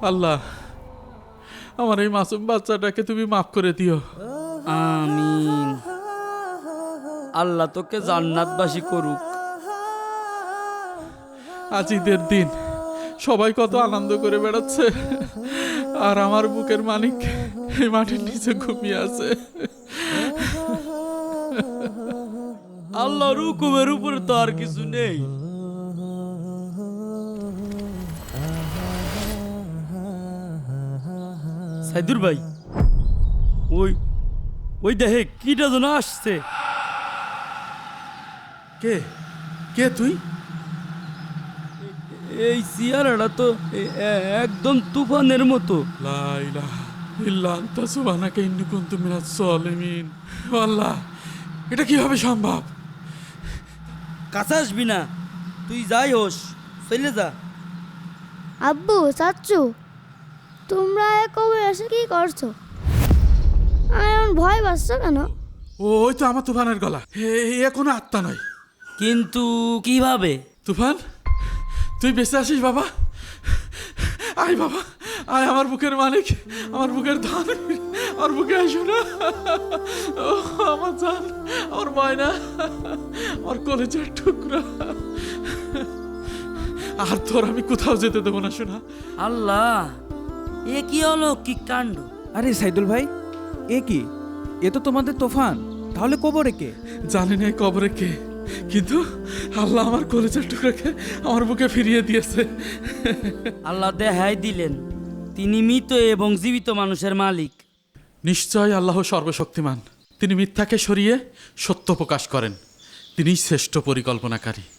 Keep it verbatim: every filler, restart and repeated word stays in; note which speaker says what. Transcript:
Speaker 1: আল্লাহ, আমার এই মাসুম বাচ্চাটাকে তুমি মাফ করে দিও।
Speaker 2: আমিন। আল্লাহ তোকে জান্নাতবাসী করুক।
Speaker 1: আজ ঈদের দিন, সবাই কত আনন্দ করে বেড়াচ্ছে, আর আমার বুকের মানিক এই মাটির নিচে ঘুমিয়ে আছে।
Speaker 2: আল্লাহর হুকুমের উপরে তো আর কিছু নেই। সাইদুর ভাই, ওই ওই দেখে কিটা যেন আসছে।
Speaker 1: কে কে তুই?
Speaker 2: এই চেহারাটা তো এ- এ- একদম তুফানের মতো।
Speaker 1: লা ইলাহা ইল্লা আনতা সুবহানাকা ইন্নী কুনতু মিনাজ জালিমিন। ও আল্লাহ, এটা কিভাবে সম্ভব?
Speaker 2: কাছে আসবি না, তুই যাই হোস, চলে যা।
Speaker 3: আব্বু, চাচ্চু, তোমরা কবে এসে কি করছো? আমি এমন ভয় পাচ্ছ কেন?
Speaker 1: ও, ওই তো আমার তুফানের গলা। এ এ কোনো আত্মা নয়।
Speaker 2: কিন্তু কিভাবে?
Speaker 1: তুফান, তুই বেঁচে আসিস বাবা? আয় বাবা, আয় আমার বুকের মালিক, আমার বুকের ধন, আমার বুকে আসো না। ও আমার জান, আমার ময়না, আমার কলেজের টুকরা। আর তোর আমি কোথাও যেতে দেবো না শোনা।
Speaker 2: আল্লাহ, এ কি অলৌকিক কাণ্ড!
Speaker 4: আরে সাইদুল ভাই, এ কি? এ তো তোমাদের তুফান। তাহলে কবরে কে?
Speaker 1: জানি না এই কবরে কে, কিন্তু আল্লাহ আমার কলেজের টুকরাকে আমার বুকে ফিরিয়ে দিয়েছে।
Speaker 2: আল্লাহ দেখাই দিলেন তিনি মৃত এবং জীবিত মানুষের মালিক।
Speaker 1: নিশ্চয় আল্লাহ সর্বশক্তিমান। তিনি মিথ্যাকে সরিয়ে সত্য প্রকাশ করেন। তিনিই শ্রেষ্ঠ পরিকল্পনাকারী।